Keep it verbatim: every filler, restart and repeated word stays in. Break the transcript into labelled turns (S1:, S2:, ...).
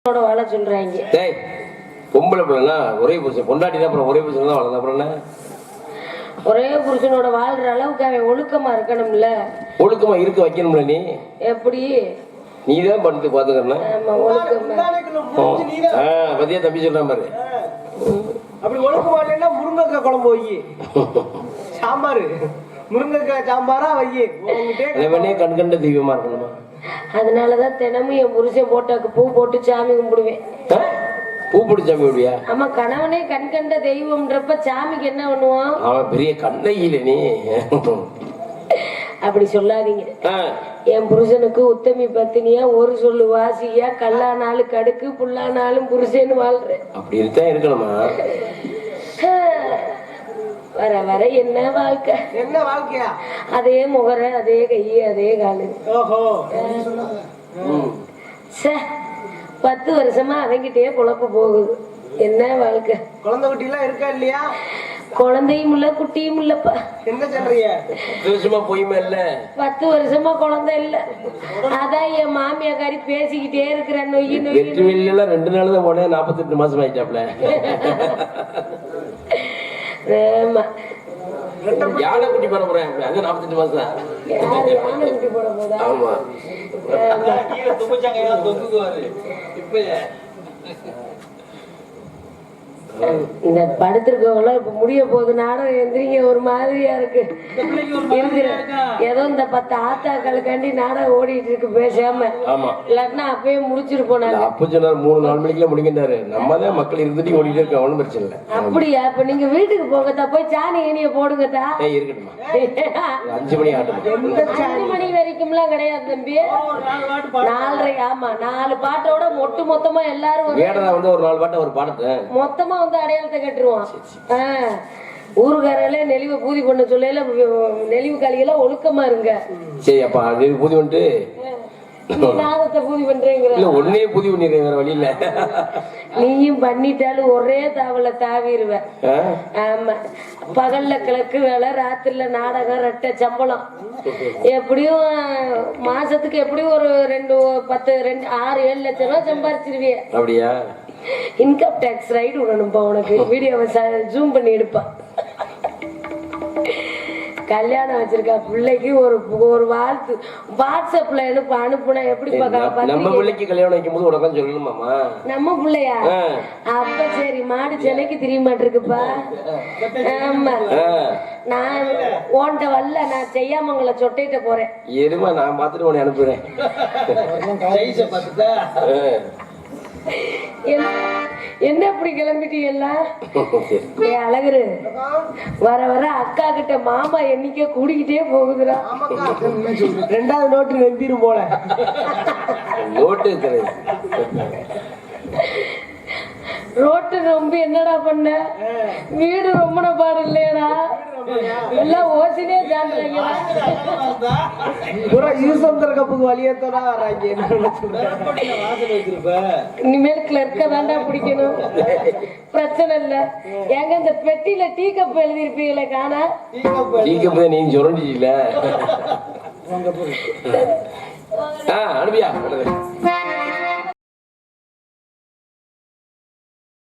S1: வாழ சொல்றாங்க.
S2: டேய் பொம்பளை பிள்ளைனா ஒரே புருஷன் பொண்டாட்டினா அப்புறம் ஒரே புருஷன் தான் வாழலாம். அப்புறம் என்ன
S1: ஒரே புருஷனோட வாழ்ற அளவுக்கு அவன் ஒழுக்கமா இருக்கணும்ல.
S2: ஒழுக்கமா இருக்க வைக்கணும்ல. நீ
S1: எப்படி
S2: நீ தான் பண்ணி பாத்துக்கணும். பத்தியா தம்பி சொல்றான் பாரு.
S3: அப்படி ஒழுக்கமா இல்லைன்னா முருங்கைக்காய் குழம்பு வை, சாம்பாரு முருங்கைக்காய் சாம்பாரா வை.
S2: கண் கண்ட தெய்வமா இருக்கணுமா?
S1: அதனாலதான் தினமும் என் புருஷன் போட்டாக்கு பூ போட்டு சாமி கும்பிடுவேன்.
S2: பூ போட்டு சாமி கும்பிடுவியா?
S1: ஆமா, கணவனே கண் கண்ட தெய்வம்ன்றப்ப சாமிக்கு என்ன பண்ணுவான்?
S2: அவன் பெரிய கண்ணையில நீ
S1: அப்படி சொல்லாதீங்க. என் புருஷனுக்கு உத்தமி பத்தினியா ஒரு சொல்லு வாசியா கல்லானாலும் கடுக்கு புல்லானாலும் புருஷன்னு வாழ்றேன்.
S2: அப்படி இருக்கா இருக்கணுமா?
S1: வர வர என்ன வாழ்க்கை,
S3: என்ன வாழ்க்கையா?
S1: அதே முகர அதே கையே அதே காலு.
S3: ஓஹோ,
S1: பத்து வருஷமா அவங்கிட்டே குழப்ப போகுது. என்ன வாழ்க்கை?
S3: குழந்தை குட்டி எல்லாம் இருக்கா இல்லையா?
S1: குழந்தையும் இல்ல குட்டியும் இல்லப்பா.
S3: என்ன சொல்றீங்க?
S2: பத்து வருஷமா போயுமே இல்ல.
S1: பத்து வருஷமா குழந்தை இல்ல. அதான் என் மாமியாக்காரி பேசிக்கிட்டே இருக்கிறேன். நொய்யு
S2: நொய்யு ரெண்டு நாள் தான் போனேன். நாப்பத்தி எட்டு மாசம் ஆயிட்டாப்ல. யானை குட்டி போட போறேன். அது நாப்பத்தெட்டு மாசம் தான்.
S1: யானை குட்டி போட போதா?
S2: ஆமா.
S1: இந்த படுத்திருக்கவங்க இப்ப முடிய போகுது. நானும் எந்திரிங்க ஒரு மாதிரியா இருக்கு இருக்கிற. ஏதோ இந்த பத்து ஆத்தாக்களுக்காண்டி நாடகம் ஓடிட்டு இருக்கு பேசாம. இல்லாட்டினா அப்பயே முடிச்சிருப்போம்.
S2: அப்ப சொன்னாரு மூணு நாலு மணிக்கெல்லாம் முடிக்கின்றாரு. நம்ம தான் மக்கள் இருந்துட்டு ஓடிட்டு இருக்க. ஒண்ணும் பிரச்சனை இல்லை.
S1: அப்படியா? இப்ப நீங்க வீட்டுக்கு போங்கத்தா, போய் சாணி ஏனிய போடுங்கத்தா.
S2: இருக்கட்டுமா? அஞ்சு மணி ஆட்டும்.
S1: அஞ்சு மணி வரைக்கும்லாம் கிடையாது தம்பி. நாலரை. ஆமா, நாலு பாட்டோட மொட்டு மொத்தமா எல்லாரும்
S2: வந்து ஒரு நாலு பாட்டை ஒரு பாடத்தை மொத்தமா
S1: வந்து அடையாளத்தை கட்டுருவான். ஊருக்காரங்களே நெளிவை பூதி பண்ண சொல்ல நெளிவு காலிகளா ஒழுக்கமா இருங்க.
S2: சரி, அப்ப பூதி பண்ணிட்டு
S1: நாதத்தை பூதி பண்றேங்கிற
S2: ஒன்னே பூதி பண்ணிடுறேன். வேற வழி இல்ல.
S1: நீயும் பண்ணிட்டாலும் ஒரே தாவல தாவிடுவ. ஆமா, பகல்ல கிழக்கு வேலை, ராத்திரில நாடகம், ரெட்டை சம்பளம். எப்படியும் மாசத்துக்கு எப்படியும் ஒரு ரெண்டு பத்து ரெண்டு ஆறு ஏழு லட்சம் ரூபாய் சம்பாரிச்சிருவிய.
S2: அப்படியா?
S1: இன்கம் டாக்ஸ் ரைடு விடணும்பா உனக்கு. வீடியோவை ஜூம் பண்ணி எடுப்பா. கல்யாணம் வச்சிருக்கா பிள்ளைக்கு ஒரு ஒரு வாழ்த்து வாட்ஸ்அப்ல அனுப்ப அனுப்புனா எப்படி பாக்க?
S2: நம்ம பிள்ளைக்கு கல்யாணம் வைக்கும் போது உடனே சொல்லணுமாமா?
S1: நம்ம பிள்ளையா? அப்ப சரி, மாடு சென்னைக்கு தெரிய மாட்டிருக்குப்பா. ஆமா, நான் ஓண்ட வரல, நான் செய்யாமங்கள சொட்டையிட்ட போறேன்.
S2: எருமா, நான் பாத்துட்டு உன்னை அனுப்புறேன்.
S1: என்ன இப்படி கிளம்பிட்டீங்கல்ல? அழகுரு வர வர அக்கா கிட்ட மாமா எண்ணிக்கை கூடிக்கிட்டே போகுதுடா.
S3: ரெண்டாவது நோட்டு நம்பிரும் போல.
S2: நோட்டு
S1: ரோட்டு ரொம்ப என்னடா பண்ண? வீடு ரொம்ப பாடு இல்லையடா. எல்லாம் ஓசினே ஜாண்டுறாங்கடா.
S3: கப்புக்கு வழியத்தோட வராங்க.
S1: இனிமேல் கிளர்க்க தாண்டா பிடிக்கணும். பிரச்சனை இல்ல. எங்க இந்த பெட்டியில டீ கப் எழுதி இருப்பீங்களே காணா?
S2: டீ கப் நீங்க சொல்லிட்டீங்களா? அனுப்பியா